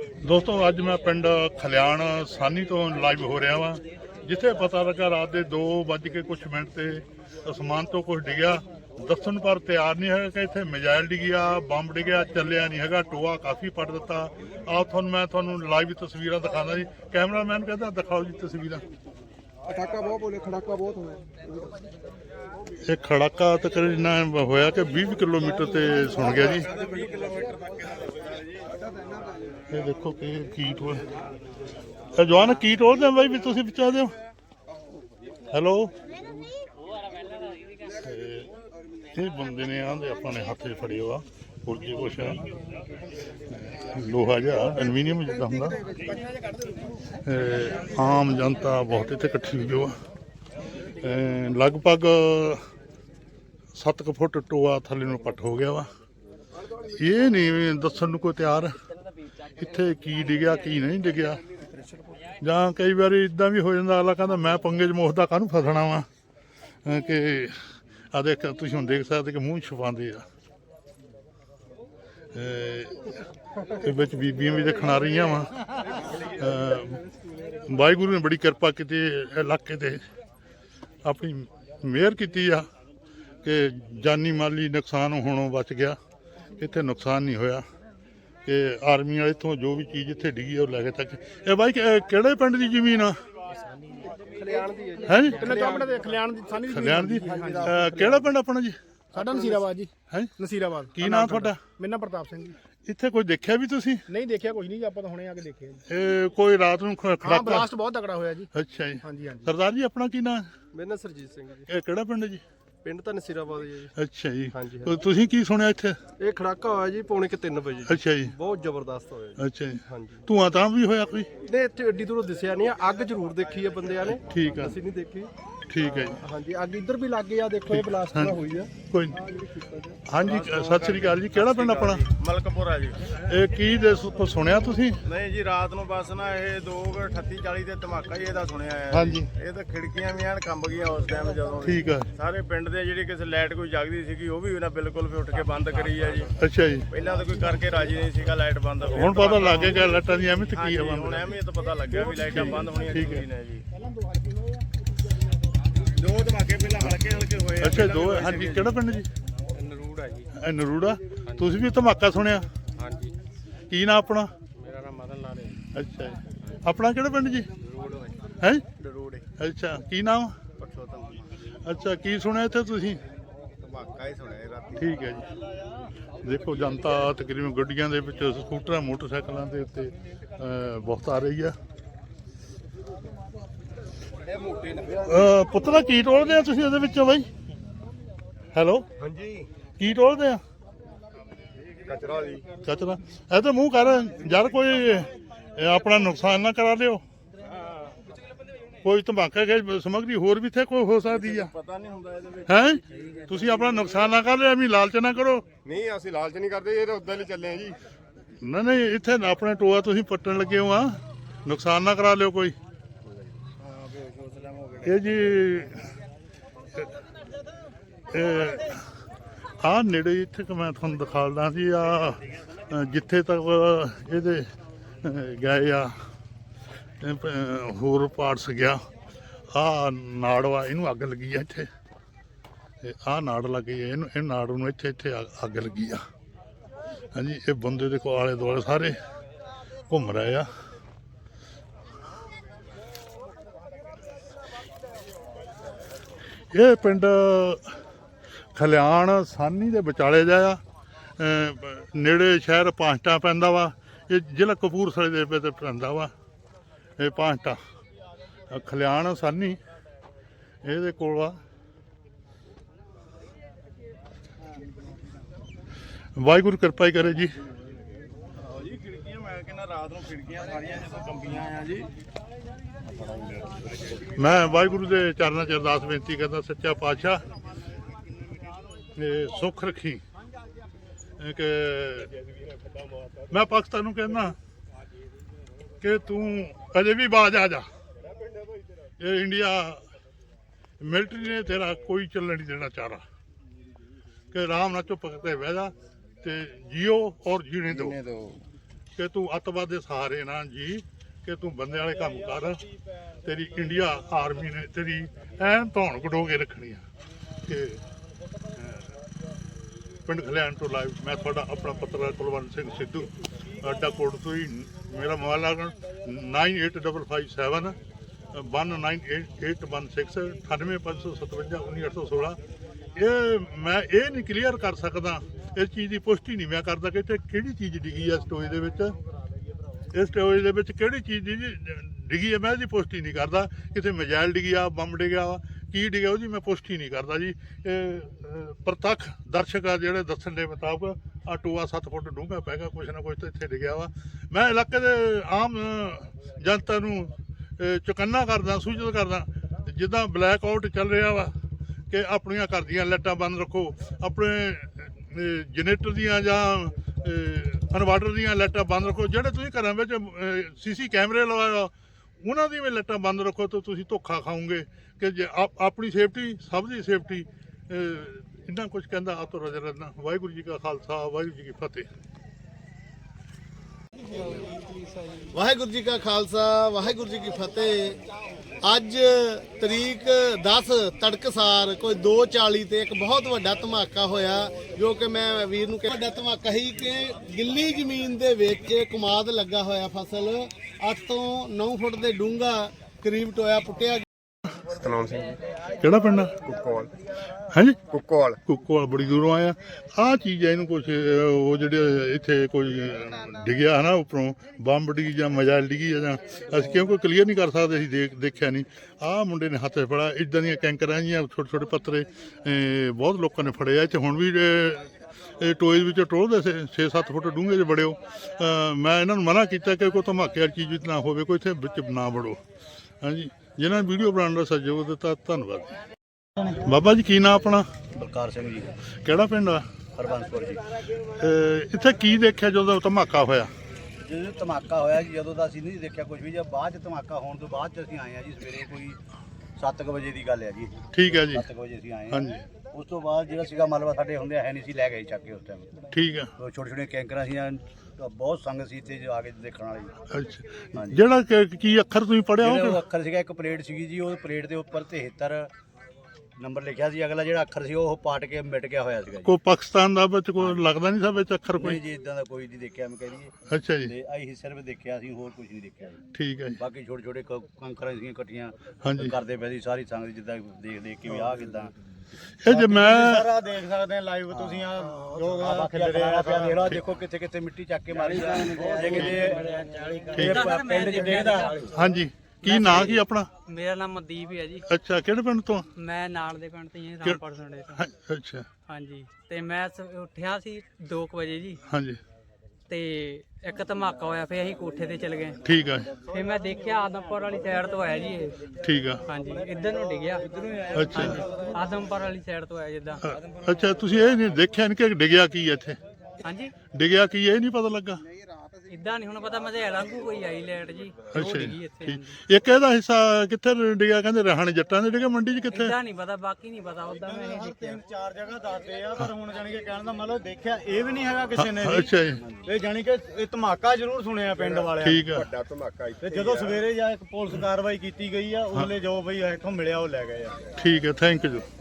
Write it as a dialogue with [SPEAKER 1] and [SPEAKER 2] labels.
[SPEAKER 1] ਦੋਸਤੋ ਅੱਜ ਮੈਂ ਪਿੰਡ ਖਲਿਆਣ ਸਾਨੀ ਤੋਂ ਲਾਈਵ ਹੋ ਰਿਹਾ ਵਾਂ, ਜਿੱਥੇ ਪਤਾ ਲੱਗਾ ਰਾਤ ਦੇ 2:00 ਕੁਛ ਮਿੰਟ ਤੇ ਅਸਮਾਨ ਤੋਂ ਕੁਝ ਡਿੱਗਿਆ। ਦੱਸਣ ਪਰ ਤਿਆਰ ਨਹੀਂ ਹੈਗਾ ਕਿ ਇੱਥੇ ਮਿਜ਼ਾਈਲ ਡਿੱਗਿਆ, ਬੰਬ ਡਿੱਗਿਆ, ਚੱਲਿਆ ਨਹੀਂ ਹੈਗਾ। ਟੋਆ ਕਾਫੀ ਪੱਟ ਦਿੱਤਾ। ਆਹ ਮੈਂ ਤੁਹਾਨੂੰ ਲਾਈਵ ਤਸਵੀਰਾਂ ਦਿਖਾਉਂਦਾ ਜੀ। ਕੈਮਰਾਮੈਨ ਕਹਿੰਦਾ ਦਿਖਾਓ ਜੀ ਤਸਵੀਰਾਂ।
[SPEAKER 2] ਖੜਾਕਾ ਬਹੁਤ ਬੋਲੇ, ਖੜਾਕਾ ਬਹੁਤ ਹੋਇਆ।
[SPEAKER 1] ਇਹ ਖੜਾਕਾ ਤਕਰੀਬਨ ਹੋਇਆ ਕਿ 20 ਕਿਲੋਮੀਟਰ ਤੇ ਸੁਣ ਗਿਆ ਜੀ। ਇਹ ਦੇਖੋ ਕੀ ਟੋਲ, ਇਹ ਜਵਾਨ ਕੀ ਟੋਲਦੇ ਬਾਈ ਵੀ ਤੁਸੀਂ ਬਚਾ ਦਿਓ। ਹੈਲੋ, ਇਹ ਬੰਦੇ ਨੇ ਆਂਦੇ ਆਪਾਂ ਨੇ ਹੱਥ 'ਚ ਫੜਿਆ ਵਾ ਪੁਰਜੀ ਕੁਛ ਲੋਹਾ ਜਿਹਾ ਐਲੂਮੀਨੀਅਮ ਜਿੱਦਾਂ ਹੁੰਦਾ। ਆਮ ਜਨਤਾ ਬਹੁਤ ਇੱਥੇ ਇਕੱਠੀ ਹੋਈ ਜੋ ਆ। ਲਗਭਗ 7 ਫੁੱਟ ਟੋਆ ਥੱਲੇ ਨੂੰ ਪੱਟ ਹੋ ਗਿਆ ਵਾ। ਇਹ ਨਹੀਂ ਦੱਸਣ ਨੂੰ ਕੋਈ ਤਿਆਰ ਇੱਥੇ ਕੀ ਡਿੱਗਿਆ ਕੀ ਨਹੀਂ ਡਿੱਗਿਆ। ਜਾਂ ਕਈ ਵਾਰੀ ਇੱਦਾਂ ਵੀ ਹੋ ਜਾਂਦਾ, ਅਗਲਾ ਕਹਿੰਦਾ ਮੈਂ ਪੰਗੇ 'ਚ ਮੁੱਕਦਾ ਕਾਹਨੂੰ ਫਸਣਾ ਵਾ। ਕਿ ਆ ਦੇਖ ਤੁਸੀਂ ਹੁਣ ਦੇਖ ਸਕਦੇ ਕਿ ਮੂੰਹ ਛੁਪਾਉਂਦੇ ਆ। ਇਹ ਵਿੱਚ ਬੀਬੀਆਂ ਵੀ ਦੇਖਣ ਆ ਰਹੀਆਂ ਵਾ। ਵਾਹਿਗੁਰੂ ਨੇ ਬੜੀ ਕਿਰਪਾ ਕੀਤੀ ਇਲਾਕੇ ਤੇ, ਆਪਣੀ ਮਿਹਰ ਕੀਤੀ ਆ ਕਿ ਜਾਨੀ ਮਾਲੀ ਨੁਕਸਾਨ ਹੋਣੋਂ ਬਚ ਗਿਆ। ਇੱਥੇ ਨੁਕਸਾਨ ਨਹੀਂ ਹੋਇਆ ਕਿ ਆਰਮੀ ਵਾਲੇ ਇੱਥੋਂ ਜੋ ਵੀ ਚੀਜ਼ ਇੱਥੇ ਡਿੱਗੀ ਉਹ ਲੈ ਕੇ ਤੱਕ। ਇਹ ਬਾਈ ਕਿਹੜੇ ਪਿੰਡ ਦੀ ਜ਼ਮੀਨ ਆ?
[SPEAKER 2] ਖਲਿਆਣ ਦੀ
[SPEAKER 1] ਹੈ ਜੀ,
[SPEAKER 2] ਖਲਿਆਣ ਦੀ ਸਾਨੀ
[SPEAKER 1] ਖਲਿਆਣ ਦੀ। ਕਿਹੜਾ ਪਿੰਡ ਆਪਣਾ ਜੀ?
[SPEAKER 2] ਸਾਡਾ ਨਸੀਰਾਬਾਦ ਜੀ।
[SPEAKER 1] ਹੈ
[SPEAKER 2] ਨਸੀਰਾਬਾਦ।
[SPEAKER 1] ਕੀ ਨਾਮ ਤੁਹਾਡਾ?
[SPEAKER 2] ਮੇਰਾ ਨਾਮ ਪ੍ਰਤਾਪ ਸਿੰਘ ਜੀ।
[SPEAKER 1] ਇੱਥੇ ਕੋਈ ਦੇਖਿਆ ਵੀ ਤੁਸੀਂ?
[SPEAKER 2] ਨਹੀਂ ਦੇਖਿਆ ਕੁਝ ਨਹੀਂ, ਆਪਾਂ ਤਾਂ ਹੁਣੇ ਆ ਕੇ ਦੇਖਿਆ ਜੀ।
[SPEAKER 1] ਇਹ ਕੋਈ ਰਾਤ ਨੂੰ ਖੜਾਕਾ?
[SPEAKER 2] ਬਲਾਸਟ ਬਹੁਤ ਤਕੜਾ ਹੋਇਆ ਜੀ।
[SPEAKER 1] ਅੱਛਾ ਜੀ।
[SPEAKER 2] ਹਾਂਜੀ ਹਾਂਜੀ।
[SPEAKER 1] ਸਰਦਾਰ ਜੀ ਆਪਣਾ ਕੀ ਨਾਮ?
[SPEAKER 2] ਮੇਰਾ ਨਾਮ ਸਰਜੀਤ ਸਿੰਘ ਜੀ।
[SPEAKER 1] ਇਹ ਕਿਹੜਾ ਪਿੰਡ ਜੀ?
[SPEAKER 2] ਪਿੰਡ ਤਾਂ ਨਸੀਰਾਬਾਦ ਹੀ ਹੈ ਜੀ।
[SPEAKER 1] ਅੱਛਾ ਜੀ।
[SPEAKER 2] ਹਾਂਜੀ।
[SPEAKER 1] ਤੁਸੀਂ ਕੀ ਸੁਣਿਆ ਇੱਥੇ?
[SPEAKER 2] ਇਹ ਖੜਾਕਾ ਹੋਇਆ ਜੀ ਪੌਣੇ 3 ਵਜੇ।
[SPEAKER 1] ਅੱਛਾ ਜੀ।
[SPEAKER 2] ਬਹੁਤ ਜ਼ਬਰਦਸਤ ਹੋਇਆ ਜੀ।
[SPEAKER 1] ਅੱਛਾ ਜੀ।
[SPEAKER 2] ਹਾਂਜੀ।
[SPEAKER 1] ਧੂਆਂ ਤਾਂ ਵੀ ਹੋਇਆ ਕੋਈ?
[SPEAKER 2] ਨਹੀਂ ਇੱਥੇ ਏਡੀ ਦੂਰੋਂ ਦਿਸਿਆ ਨਹੀਂ, ਅੱਗ ਜ਼ਰੂਰ ਦੇਖੀ ਹੈ ਬੰਦਿਆਂ ਨੇ।
[SPEAKER 1] ਠੀਕ ਆ,
[SPEAKER 2] ਅਸੀਂ ਨਹੀਂ ਦੇਖੀ।
[SPEAKER 1] ਠੀਕ ਹੈ ਜੀ।
[SPEAKER 2] ਹਾਂਜੀ, ਅੱਗ ਇੱਧਰ ਵੀ ਲੱਗ ਗਈ ਆ, ਦੇਖੋ ਇਹ ਬਲਾਸਟ ਨਾਲ ਹੋਈ ਆ।
[SPEAKER 1] ਕੋਈ ਨਹੀਂ। ਹਾਂਜੀ ਸਤਿ ਸ੍ਰੀ ਅਕਾਲ ਜੀ। ਕਿਹੜਾ ਪਿੰਡ ਆਪਣਾ?
[SPEAKER 3] ਮਲਕਪੁਰਾ ਜੀ।
[SPEAKER 1] ਇਹ ਕੀ ਦੇ ਸੁਣਿਆ ਤੁਸੀਂ?
[SPEAKER 3] ਨਹੀਂ ਜੀ, ਰਾਤ ਨੂੰ ਬਸ ਨਾ ਇਹ 2:38-40 ਤੇ ਧਮਾਕਾ ਹੀ ਇਹਦਾ ਸੁਣਿਆ ਹੈ।
[SPEAKER 1] ਹਾਂਜੀ।
[SPEAKER 3] ਇਹ ਤਾਂ ਖਿੜਕੀਆਂ ਵੀ ਐਨ ਕੰਬ ਗਈਆਂ ਉਸ ਟਾਈਮ ਜਦੋਂ।
[SPEAKER 1] ਠੀਕ ਆ।
[SPEAKER 3] ਸਾਰੇ ਪਿੰਡ ਦੇ ਜਿਹੜੀ ਕਿਸੇ ਲਾਈਟ ਕੋਈ ਜਗਦੀ ਸੀਗੀ ਉਹ ਵੀ ਉਹਨਾਂ ਬਿਲਕੁਲ ਵੀ ਉੱਠ ਕੇ ਬੰਦ ਕਰੀ ਆ ਜੀ।
[SPEAKER 1] ਅੱਛਾ ਜੀ।
[SPEAKER 3] ਪਹਿਲਾਂ ਤਾਂ ਕੋਈ ਕਰਕੇ ਰਾਜੀ ਨਹੀਂ ਸੀਗਾ ਲਾਈਟ ਬੰਦ।
[SPEAKER 1] ਹੁਣ ਪਤਾ ਲੱਗ ਗਿਆ ਲਾਈਟਾਂ ਦੀ ਅਹਿਮੀਅਤ ਕੀ ਆ।
[SPEAKER 3] ਹੁਣ ਐਵੇਂ ਤਾਂ ਪਤਾ ਲੱਗਿਆ ਵੀ ਲਾਈਟਾਂ ਬੰਦ ਹੋਣੀਆਂ ਜ਼ਰੂਰੀ ਨੇ ਜੀ। ਦੋ ਧਮਾਕੇ ਪਹਿਲਾਂ ਹਲਕੇ ਹੋਏ।
[SPEAKER 1] ਅੱਛਾ ਦੋ। ਹਾਂਜੀ ਕਿਹੜਾ ਪਿੰਡ ਜੀ?
[SPEAKER 3] ਨਰੂੜਾ ਜੀ।
[SPEAKER 1] ਇਹ ਨਰੂੜਾ। ਤੁਸੀਂ ਵੀ ਧਮਾਕਾ ਸੁਣਿਆ?
[SPEAKER 3] ਹਾਂਜੀ।
[SPEAKER 1] ਕੀ ਨਾਂ ਆਪਣਾ?
[SPEAKER 3] ਮੇਰਾ ਨਾਮ ਮਦਨ ਲਾਲ ਹੈ।
[SPEAKER 1] ਅੱਛਾ ਜੀ। ਆਪਣਾ ਕਿਹੜਾ ਪਿੰਡ ਜੀ?
[SPEAKER 3] ਨਰੂੜਾ
[SPEAKER 1] ਹੈ?
[SPEAKER 3] ਨਰੂੜੇ।
[SPEAKER 1] ਅੱਛਾ ਕੀ ਨਾਮ?
[SPEAKER 3] ਪਰਸੋਤਮ।
[SPEAKER 1] ਅੱਛਾ ਕੀ ਸੁਣਿਆ ਇੱਥੇ ਤੁਸੀਂ?
[SPEAKER 3] ਧਮਾਕਾ ਹੀ ਸੁਣਿਆ ਰਾਤੀ।
[SPEAKER 1] ਠੀਕ ਹੈ ਜੀ। ਦੇਖੋ ਜਨਤਾ ਤਕਰੀਬਨ ਗੱਡੀਆਂ ਦੇ ਵਿੱਚ, ਸਕੂਟਰਾਂ, ਮੋਟਰਸਾਈਕਲਾਂ ਦੇ ਉੱਤੇ ਬਹੁਤ ਆ ਰਹੀ ਆ। ਪੁੱਤਰਾ ਕੀ ਟੋਲਦੇ ਆ ਤੁਸੀਂ ਇਹਦੇ ਵਿੱਚੋਂ ਬਾਈ? ਹੈਲੋ।
[SPEAKER 3] ਹਾਂਜੀ।
[SPEAKER 1] ਕੀ ਟੋਲਦੇ ਆ?
[SPEAKER 3] ਕਚਰਾ ਜੀ।
[SPEAKER 1] ਕਚਰਾ। ਇਹ ਤਾਂ ਮੂੰਹ ਕਰ ਯਾਰ, ਕੋਈ ਆਪਣਾ ਨੁਕਸਾਨ ਨਾ ਕਰਾ ਲਿਓ। ਕੋਈ ਧਮਾਕਾ ਕੇ ਸਮੱਗਰੀ ਹੋਰ ਵੀ ਇੱਥੇ ਕੋਈ ਹੋ ਸਕਦੀ ਆ।
[SPEAKER 3] ਪਤਾ ਨਹੀਂ ਹੁੰਦਾ ਇਹਦੇ ਵਿੱਚ।
[SPEAKER 1] ਹੈ ਤੁਸੀਂ ਆਪਣਾ ਨੁਕਸਾਨ ਨਾ ਕਰ ਲਿਓ, ਐਵੇਂ ਲਾਲਚ ਨਾ ਕਰੋ।
[SPEAKER 3] ਨਹੀਂ ਅਸੀਂ ਲਾਲਚ ਨਹੀਂ ਕਰਦੇ, ਇਹ ਤਾਂ ਉਦਾਂ ਹੀ ਚੱਲੇ ਆ ਜੀ।
[SPEAKER 1] ਨਹੀਂ ਇੱਥੇ ਆਪਣੇ ਟੋਆ ਤੁਸੀਂ ਪੱਟਣ ਲੱਗੇ ਹੋ ਆ, ਨੁਕਸਾਨ ਨਾ ਕਰਾ ਲਿਓ ਕੋਈ। ਇਹ ਜੀ ਆ ਨੇੜੇ ਇੱਥੇ ਕਿ ਮੈਂ ਤੁਹਾਨੂੰ ਦਿਖਾਲਦਾ ਸੀ ਆ, ਜਿੱਥੇ ਤੱਕ ਇਹਦੇ ਗਏ ਆ ਹੋਰ ਪਾਰਟਸ ਗਿਆ। ਆ ਨਾੜ ਵਾ, ਇਹਨੂੰ ਅੱਗ ਲੱਗੀ ਆ ਇੱਥੇ। ਆ ਨਾੜ ਲੱਗ ਗਈ ਇਹਨੂੰ, ਇਹ ਨਾੜ ਨੂੰ ਇੱਥੇ ਅੱਗ ਲੱਗੀ ਆ। ਹਾਂਜੀ ਇਹ ਬੰਦੇ ਦੇ ਕੋਲ ਆਲੇ ਦੁਆਲੇ ਸਾਰੇ ਘੁੰਮ ਰਹੇ ਆ। ਇਹ ਪਿੰਡ ਖਲਿਆਣ ਸਾਨੀ ਦੇ ਵਿਚਾਲੇ ਜਾ ਨੇੜੇ ਸ਼ਹਿਰ ਪਾਂਟਾ ਪੈਂਦਾ ਵਾ। ਇਹ ਜ਼ਿਲ੍ਹਾ ਕਪੂਰਥਲੇ ਦੇ ਵਿੱਚ ਪੈਂਦਾ ਵਾ। ਇਹ ਪਾਂਟਾ ਖਲਿਆਣ ਸਾਨੀ ਇਹਦੇ ਕੋਲ ਆ। ਵਾਹਿਗੁਰੂ ਕਿਰਪਾ ਹੀ ਕਰੇ ਜੀ।
[SPEAKER 3] ਜੀ ਖਿੜਕੀਆਂ ਮੈਂ ਕਹਿੰਦਾ ਰਾਤ ਨੂੰ ਖਿੜਕੀਆਂ ਸਾਰੀਆਂ ਜਦੋਂ ਕੰਬੀਆਂ ਆ ਜੀ।
[SPEAKER 1] ਮੈਂ ਵਾਹਿਗੁਰੂ ਦੇ ਚਰਨਾਂ 'ਚ ਅਰਦਾਸ ਬੇਨਤੀ ਕਰਦਾ, ਸੱਚਾ ਪਾਤਸ਼ਾਹ ਸੁੱਖ ਰੱਖੀ। ਕਿ ਮੈਂ ਪਾਕਿਸਤਾਨ ਨੂੰ ਕਹਿੰਦਾ ਕਿ ਤੂੰ ਅਜੇ ਵੀ ਬਾਜ ਆ ਜਾ। ਇਹ ਇੰਡੀਆ ਮਿਲਟਰੀ ਨੇ ਤੇਰਾ ਕੋਈ ਚੱਲਣ ਨਹੀਂ ਦੇਣਾ ਚਾਰਾ। ਕਿ ਆਰਾਮ ਨਾਲ ਚੁੱਪ ਕਰਕੇ ਬਹਿ ਜਾ ਤੇ ਜੀਓ ਔਰ ਜੀਣੇ ਦਿਓ। ਕਿ ਤੂੰ ਅੱਤਵਾਦ ਦੇ ਸਹਾਰੇ ਨਾ ਜੀ, ਕਿ ਤੂੰ ਬੰਦੇ ਵਾਲੇ ਕੰਮ ਕਰ। ਤੇਰੀ ਇੰਡੀਆ ਆਰਮੀ ਨੇ ਤੇਰੀ ਐਨ ਧੌਣ ਕਢੋ ਕੇ ਰੱਖਣੀ ਆ। ਕਿ ਪਿੰਡ ਖਲਿਆਣ ਤੋਂ ਲਾਈਵ ਮੈਂ ਤੁਹਾਡਾ ਆਪਣਾ ਪੱਤਰਕਾਰ ਕੁਲਵੰਤ ਸਿੰਘ ਸਿੱਧੂ, ਅੱਡਾ ਕੋਟਸੂਈ। ਮੇਰਾ ਮੋਬਾਈਲ ਨੰਬਰ 985557 1988816 98557 19816। ਮੈਂ ਇਹ ਨਹੀਂ ਕਲੀਅਰ ਕਰ ਸਕਦਾ, ਇਸ ਚੀਜ਼ ਦੀ ਪੁਸ਼ਟੀ ਨਹੀਂ ਮੈਂ ਕਰਦਾ ਕਿ ਇੱਥੇ ਕਿਹੜੀ ਚੀਜ਼ ਡਿੱਗੀ ਆ ਸਟੋਰੇਜ ਦੇ ਵਿੱਚ। ਇਸ ਸਟੋਰੇਜ ਦੇ ਵਿੱਚ ਕਿਹੜੀ ਚੀਜ਼ ਡਿੱਗੀ ਹੈ ਮੈਂ ਇਹਦੀ ਪੁਸ਼ਟੀ ਨਹੀਂ ਕਰਦਾ। ਕਿਤੇ ਮਿਜ਼ਾਈਲ ਡਿੱਗਿਆ, ਬੰਬ ਡਿੱਗਿਆ, ਕੀ ਡਿੱਗਿਆ ਉਹਦੀ ਮੈਂ ਪੁਸ਼ਟੀ ਨਹੀਂ ਕਰਦਾ ਜੀ। ਇਹ ਪ੍ਰਤੱਖ ਦਰਸ਼ਕ ਆ ਜਿਹੜੇ ਦੱਸਣ ਦੇ ਮੁਤਾਬਕ ਆ ਟੋਆ 7 ਫੁੱਟ ਡੂੰਘਾ ਪੈ ਗਿਆ, ਕੁਛ ਨਾ ਕੁਛ ਤਾਂ ਇੱਥੇ ਡਿੱਗਿਆ ਵਾ। ਮੈਂ ਇਲਾਕੇ ਦੇ ਆਮ ਜਨਤਾ ਨੂੰ ਚੁਕੰਨਾ ਕਰਦਾ, ਸੂਚਿਤ ਕਰਦਾ, ਜਿੱਦਾਂ ਬਲੈਕ ਆਊਟ ਚੱਲ ਰਿਹਾ ਵਾ, ਕਿ ਆਪਣੀਆਂ ਘਰ ਦੀਆਂ ਲਾਈਟਾਂ ਬੰਦ ਰੱਖੋ, ਆਪਣੇ ਜਨਰੇਟਰ ਦੀਆਂ ਜਾਂ ਇਨਵਰਟਰ ਦੀਆਂ ਲਾਈਟਾਂ ਬੰਦ ਰੱਖੋ। ਜਿਹੜੇ ਤੁਸੀਂ ਘਰਾਂ ਵਿੱਚ ਸੀਸੀ ਕੈਮਰੇ ਲਵਾਇਆ ਉਹਨਾਂ ਦੀ ਵੀ ਲਾਈਟਾਂ ਬੰਦ ਰੱਖੋ, ਤਾਂ ਤੁਸੀਂ ਧੋਖਾ ਖਾਓਗੇ। ਕਿ ਜੇ ਆਪਣੀ ਸੇਫਟੀ ਸਭ ਦੀ ਸੇਫਟੀ। ਇੰਨਾ ਕੁਝ ਕਹਿੰਦਾ ਆਤੋ ਰਜਾ ਰਹਿਣਾ। ਵਾਹਿਗੁਰੂ ਜੀ ਕਾ ਖਾਲਸਾ, ਵਾਹਿਗੁਰੂ ਜੀ ਕੀ ਫਤਿਹ।
[SPEAKER 4] ਵਾਹਿਗੁਰੂ ਜੀ ਕਾ ਖਾਲਸਾ, ਵਾਹਿਗੁਰੂ ਜੀ ਕੀ ਫਤਿਹ। ਅੱਜ ਤਰੀਕ 10 ਤੜਕਸਾਰ ਕੋਈ 2:40 ਤੇ ਇੱਕ ਬਹੁਤ ਵੱਡਾ ਧਮਾਕਾ ਹੋਇਆ, ਜੋ ਕਿ ਮੈਂ ਵੀਰ ਨੂੰ ਕਿਹਾ ਵੱਡਾ ਧਮਾਕਾ ਹੀ ਕਿ ਗਿੱਲੀ ਜ਼ਮੀਨ ਦੇ ਵਿੱਚ ਕਮਾਦ ਲੱਗਾ ਹੋਇਆ ਫਸਲ 8 ਤੋਂ 9 ਫੁੱਟ ਦੇ ਡੂੰਘਾ ਕਰੀਬ ਟੋਇਆ ਪੁੱਟਿਆ।
[SPEAKER 5] ਸਤਨਾਮ ਸਿੰਘ ਜੀ,
[SPEAKER 1] ਕਿਹੜਾ ਪਿੰਡ ਆ?
[SPEAKER 5] ਕੁੱਕੋਲ।
[SPEAKER 1] ਹਾਂਜੀ,
[SPEAKER 5] ਕੁੱਕੋਲ
[SPEAKER 1] ਕੁੱਕੋਲ ਬੜੀ ਦੂਰੋਂ ਆਇਆ। ਆਹ ਚੀਜ਼ ਹੈ, ਇਹਨੂੰ ਕੁਛ ਉਹ ਜਿਹੜੇ ਇੱਥੇ ਕੋਈ ਡਿੱਗਿਆ ਹੈ ਨਾ ਉੱਪਰੋਂ, ਬੰਬ ਡਿੱਗੀ ਜਾਂ ਮਿਜ਼ਾਈਲ ਡਿੱਗੀ ਜਾਂ ਅਸੀਂ ਕਿਉਂਕਿ ਕਲੀਅਰ ਨਹੀਂ ਕਰ ਸਕਦੇ, ਅਸੀਂ ਦੇਖਿਆ ਨਹੀਂ। ਆਹ ਮੁੰਡੇ ਨੇ ਹੱਥ 'ਚ ਫੜਾ ਇੱਦਾਂ ਦੀਆਂ ਕੈਂਕਰਾਂ ਜੀਆਂ ਛੋਟੇ ਛੋਟੇ ਪੱਤਰੇ ਬਹੁਤ ਲੋਕਾਂ ਨੇ ਫੜੇ ਆ। ਇੱਥੇ ਹੁਣ ਵੀ ਇਹ ਟੋਏ ਵਿੱਚ ਟੋਲਦੇ 6-7 ਫੁੱਟ ਡੂੰਘੇ 'ਚ ਵੜਿਓ। ਮੈਂ ਇਹਨਾਂ ਨੂੰ ਮਨਾ ਕੀਤਾ ਕਿ ਕੋਈ ਧਮਾਕੇ ਵਾਲੀ ਚੀਜ਼ ਵਿੱਚ ਨਾ ਹੋਵੇ, ਕੋਈ ਇੱਥੇ ਵਿੱਚ ਨਾ ਵੜੋ। ਹਾਂਜੀ, ਜਿਨ੍ਹਾਂ ਨੇ ਵੀਡੀਓ ਬਣਾਉਣ ਦਾ ਸਹਿਯੋਗ ਦਿੱਤਾ ਧੰਨਵਾਦ। ਬਾਬਾ ਜੀ ਕੀ ਨਾਂ ਆਪਣਾ?
[SPEAKER 6] ਬਲਕਾਰ ਸਿੰਘ ਜੀ,
[SPEAKER 1] ਕਿਹੜਾ ਪਿੰਡ ਆ?
[SPEAKER 6] ਹਰਬੰਸਪੁਰ ਜੀ।
[SPEAKER 1] ਇੱਥੇ ਕੀ ਦੇਖਿਆ ਜਦੋਂ ਧਮਾਕਾ ਹੋਇਆ?
[SPEAKER 6] ਜਦੋਂ ਧਮਾਕਾ ਹੋਇਆ ਜੀ, ਜਦੋਂ ਤਾਂ ਅਸੀਂ ਨਹੀਂ ਦੇਖਿਆ ਕੁਝ ਵੀ। ਜਦ ਬਾਅਦ ਚ ਧਮਾਕਾ ਹੋਣ ਤੋਂ ਬਾਅਦ ਚ ਅਸੀਂ ਆਏ ਆ ਜੀ, ਸਵੇਰੇ ਕੋਈ 7 ਵਜੇ ਦੀ ਗੱਲ ਹੈ ਜੀ।
[SPEAKER 1] ਠੀਕ ਹੈ ਜੀ।
[SPEAKER 6] 7 ਵਜੇ ਅਸੀਂ ਆਏ
[SPEAKER 1] ਹਾਂਜੀ।
[SPEAKER 6] ਉਸ ਤੋਂ ਬਾਅਦ ਜਿਹੜਾ ਸੀਗਾ ਮਲਬਾ ਸਾਡੇ ਹੁੰਦੇ ਹੈ ਨਹੀਂ ਸੀ, ਲੈ ਗਏ ਚੱਕ ਕੇ ਉਸ ਟਾਈਮ।
[SPEAKER 1] ਠੀਕ ਆ।
[SPEAKER 6] ਛੋਟੇ ਛੋਟੇ ਕੈਂਕਰਾਂ ਸੀ, ਬਹੁਤ ਸੰਗਤ ਸੀ ਤੇ ਆ ਕੇ ਦੇਖਣ ਵਾਲੀ।
[SPEAKER 1] ਅੱਛਾ, ਜਿਹੜਾ ਕੀ ਅੱਖਰ ਤੁਸੀਂ ਪੜਿਆ
[SPEAKER 6] ਉਹ ਅੱਖਰ ਸੀਗਾ, ਇੱਕ ਪਲੇਟ ਸੀਗੀ ਜੀ, ਉਹ ਪਲੇਟ ਦੇ ਉੱਪਰ 73 ਨੰਬਰ ਲਿਖਿਆ ਸੀ। ਅਗਲਾ ਜਿਹੜਾ ਅੱਖਰ ਸੀ ਉਹ ਪਾਟ ਕੇ ਮਿਟ ਗਿਆ ਹੋਇਆ ਸੀਗਾ ਜੀ।
[SPEAKER 1] ਕੋਈ ਪਾਕਿਸਤਾਨ ਦਾ ਵਿੱਚ ਕੋਈ ਲੱਗਦਾ ਨਹੀਂ ਸਾ ਵਿੱਚ ਅੱਖਰ ਕੋਈ?
[SPEAKER 6] ਨਹੀਂ ਜੀ, ਇਦਾਂ ਦਾ ਕੋਈ ਨਹੀਂ ਦੇਖਿਆ ਮੈਂ ਕਹਿ ਰਹੀ।
[SPEAKER 1] ਅੱਛਾ ਜੀ।
[SPEAKER 6] ਤੇ ਅਸੀਂ ਸਿਰਫ ਦੇਖਿਆ ਸੀ, ਹੋਰ ਕੁਝ ਨਹੀਂ ਦੇਖਿਆ ਜੀ।
[SPEAKER 1] ਠੀਕ ਹੈ ਜੀ।
[SPEAKER 6] ਬਾਕੀ ਛੋਟੇ ਛੋਟੇ ਕੰਕਰਾਂ ਸੀਗੀਆਂ ਇਕੱਠੀਆਂ
[SPEAKER 1] ਹਾਂਜੀ।
[SPEAKER 6] ਕਰਦੇ ਪਏ ਸੀ ਸਾਰੀ ਸੰਗਤ, ਜਿੱਦਾਂ ਦੇਖ ਕੇ ਵੀ ਆਹ ਕਿੱਦਾਂ।
[SPEAKER 1] ਇਹ ਜੇ ਮੈਂ
[SPEAKER 3] ਸਾਰਾ ਦੇਖ ਸਕਦੇ ਆ ਲਾਈਵ ਤੁਸੀਂ ਆ ਲੋਕ ਖਿਲਰੇ ਆ ਪਿਆ।
[SPEAKER 6] ਦੇਖ ਲਓ, ਦੇਖੋ ਕਿੱਥੇ ਕਿੱਥੇ ਮਿੱਟੀ ਚੱਕ ਕੇ ਮਾਰੀ ਆ। ਜੇ ਕਿਤੇ ਪਿੰਡ 'ਚ ਦੇਖਦਾ।
[SPEAKER 1] ਹਾਂਜੀ, ਕੀ ਨਾਂ ਕੀ ਆਪਣਾ?
[SPEAKER 7] ਮੇਰਾ ਨਾਮ ਮਨਦੀਪ ਹੈ ਜੀ।
[SPEAKER 1] ਅੱਛਾ, ਕਿਹੜੇ ਪਿੰਡ ਤੋਂ?
[SPEAKER 7] ਮੈਂ ਨਾਲ ਦੇ ਪਿੰਡ ਤੋਂ ਹੀ ਹਾਂ, ਰਾਮਪੁਰ ਸੰਡੇ ਤੋਂ।
[SPEAKER 1] ਅੱਛਾ।
[SPEAKER 7] ਹਾਂਜੀ, ਤੇ ਮੈਂ ਉੱਠਿਆ ਸੀ 2 ਵਜੇ ਜੀ,
[SPEAKER 1] ਹਾਂਜੀ।
[SPEAKER 7] ਤੇ ਇੱਕ ਧਮਾਕਾ ਹੋਇਆ, ਫਿਰ ਅਸੀਂ ਕੋਠੇ ਤੇ ਚਲੇ ਗਏ।
[SPEAKER 1] ਠੀਕ ਆ।
[SPEAKER 7] ਫਿਰ ਮੈਂ ਦੇਖਿਆ ਆਦਮਪੁਰ ਵਾਲੀ ਸਾਈਡ ਤੋਂ ਆਇਆ ਜੀ ਇਹ।
[SPEAKER 1] ਠੀਕ ਆ।
[SPEAKER 7] ਹਾਂਜੀ, ਇੱਧਰ ਨੂੰ ਡਿੱਗਿਆ।
[SPEAKER 1] ਅੱਛਾ।
[SPEAKER 7] ਆਦਮਪੁਰ ਵਾਲੀ ਸਾਈਡ ਤੋਂ ਆਇਆ ਜਿੱਦਾਂ।
[SPEAKER 1] ਅੱਛਾ, ਤੁਸੀਂ ਇਹ ਨਹੀਂ ਦੇਖਿਆ ਨਹੀਂ ਕਿ ਡਿੱਗਿਆ ਕੀ ਹੈ ਇੱਥੇ?
[SPEAKER 7] ਹਾਂਜੀ,
[SPEAKER 1] ਡਿੱਗਿਆ ਕੀ ਇਹ ਨਹੀਂ ਪਤਾ ਲੱਗਾ?
[SPEAKER 7] ਇਦਾਂ ਨਹੀਂ ਹੁਣ ਪਤਾ, ਮਜ਼ੇ ਲਾਗੂ ਕੋਈ ਆਈ ਲਾਈਟ ਜੀ, ਉਹ
[SPEAKER 1] ਅੱਛਾ
[SPEAKER 7] ਡਿੱਗੀ
[SPEAKER 1] ਜੀ।
[SPEAKER 7] ਇੱਥੇ।
[SPEAKER 1] ਠੀਕ। ਇੱਕ ਇਹਦਾ ਹਿੱਸਾ ਕਿੱਥੇ ਡਿੱਗਿਆ? ਕਹਿੰਦੇ ਰਹਿਣ ਜੱਟਾਂ ਦੇ ਡਿੱਗਿਆ, ਮੰਡੀ 'ਚ ਕਿੱਥੇ?
[SPEAKER 7] ਇਦਾਂ ਨਹੀਂ ਪਤਾ, ਬਾਕੀ ਨਹੀਂ ਪਤਾ। ਉਦਾਂ ਮੈਂ ਇਹ ਦੇਖਿਆ
[SPEAKER 3] 3-4 ਜਗ੍ਹਾ ਦੱਸਦੇ ਆ, ਪਰ ਹੁਣ ਜਾਣੀ ਕਿ ਕਹਿਣ ਦਾ ਮਤਲਬ ਦੇਖਿਆ ਇਹ ਵੀ ਨਹੀਂ ਹੈਗਾ ਕਿਸੇ ਨੇ ਵੀ।
[SPEAKER 1] ਅੱਛਾ ਜੀ।
[SPEAKER 3] ਇਹ ਜਾਣੀ ਕਿ ਇਹ ਧਮਾਕਾ ਜ਼ਰੂਰ ਸੁਣਿਆ ਪਿੰਡ ਵਾਲਿਆਂ ਨੇ।
[SPEAKER 1] ਠੀਕ ਆ।
[SPEAKER 5] ਵੱਡਾ ਧਮਾਕਾ
[SPEAKER 3] ਤੇ ਜਦੋਂ ਸਵੇਰੇ ਜਾ ਇੱਕ ਪੁਲਿਸ ਕਾਰਵਾਈ ਕੀਤੀ ਗਈ ਆ, ਉਹਲੇ ਜੋ ਬਈ ਇੱਥੋਂ ਮਿਲਿਆ ਉਹ ਲੈ ਗਏ ਆ।
[SPEAKER 1] ਠੀਕ ਹੈ, ਥੈਂਕ ਯੂ।